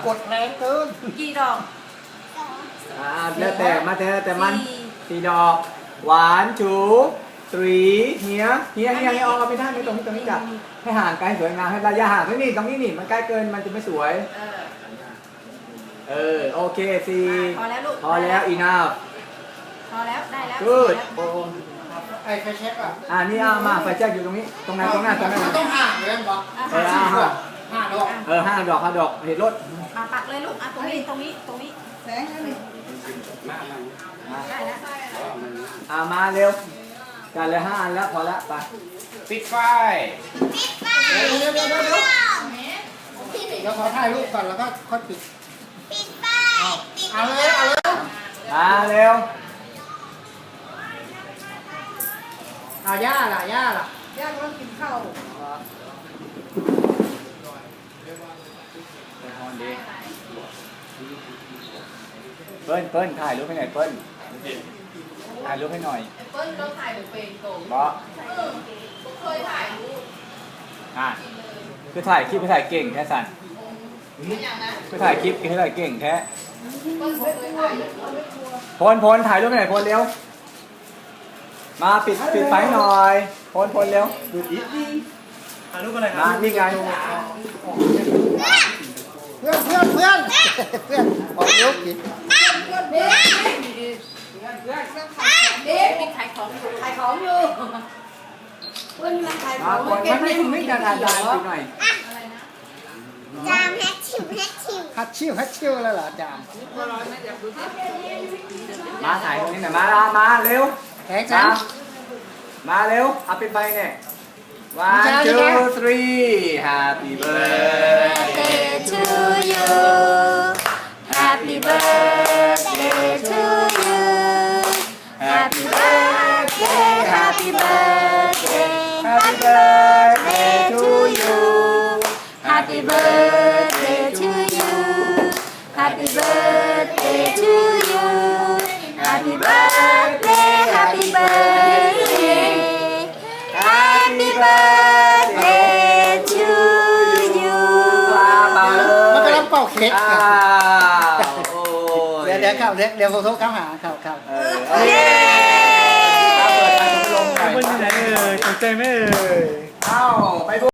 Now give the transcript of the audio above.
กดแรงเกินกี่ดอกแล้วแต่มาแต่มัน4 ดอกหวานจู3เฮียออกไม่ได้ไม่ตรงนี้จัดให้ห่างไกลสวยงามให้ระยะห่างตรงนี้นี่มันใกล้เกินมันจะไม่สวยโอเค4 พอแล้วลูกพอแล้วenough พอแล้วได้แล้ว good ไอ้ไฟแช็กอ่ะนี่เอามาไฟแช็กอยู่ตรงนี้ตรงไหนต้องห่างเลยมั้ง 5 ดอกเห็นรถมาปักเลยลูกตรงนี้แสงนี่ได้แล้วมาเร็วกันเลย5 อันแล้วพอแล้วไปปิดไฟเดี๋ยวขอถ่ายรูปก่อนแล้วก็ค่อยปิดเอาเลยมาเร็วย่าล่ะย่ากำลังกินข้าวเปิ้ลถ่ายรูปให้หน่อยเปิ้ลถ่ายรูปให้หน่อยเปิ้ลต้องถ่ายเป็นโกงบอเคยถ่ายรูปคือถ่ายคลิปถ่ายเก่งแค่สั่นคือถ่ายคลิปถ่ายเก่งแค่พลถ่ายรูปให้หน่อยพลเร็วมาปิดไฟหน่อยพลเร็วดูดิถ่ายรูปอะไรครับมานี่ไงเพื่อนขอรูปกินขายของอยู่เพื่อนมันขายของไม่จะถ่ายปิดหน่อยจามแฮชชิวแล้วเหรอจามมาถ่ายตรงนี้หน่อยมาเร็วแข็งจังมาเร็วเอาปิดไฟเนี่ย 1 2 3 Happy birthday to you Happy birthday to you Happy birthday Happy birthday Happy birthday to you Happy birthday to you Happy birthday to you Happy birthday Happy birthday Happy birthday to you มันกำลังเป่าเค้กเดี๋ยวเข้าเดี๋ยวโทรเข้าหาเข้าเย้เปิ้ลที่ไหนตกใจไหมเอ้าไป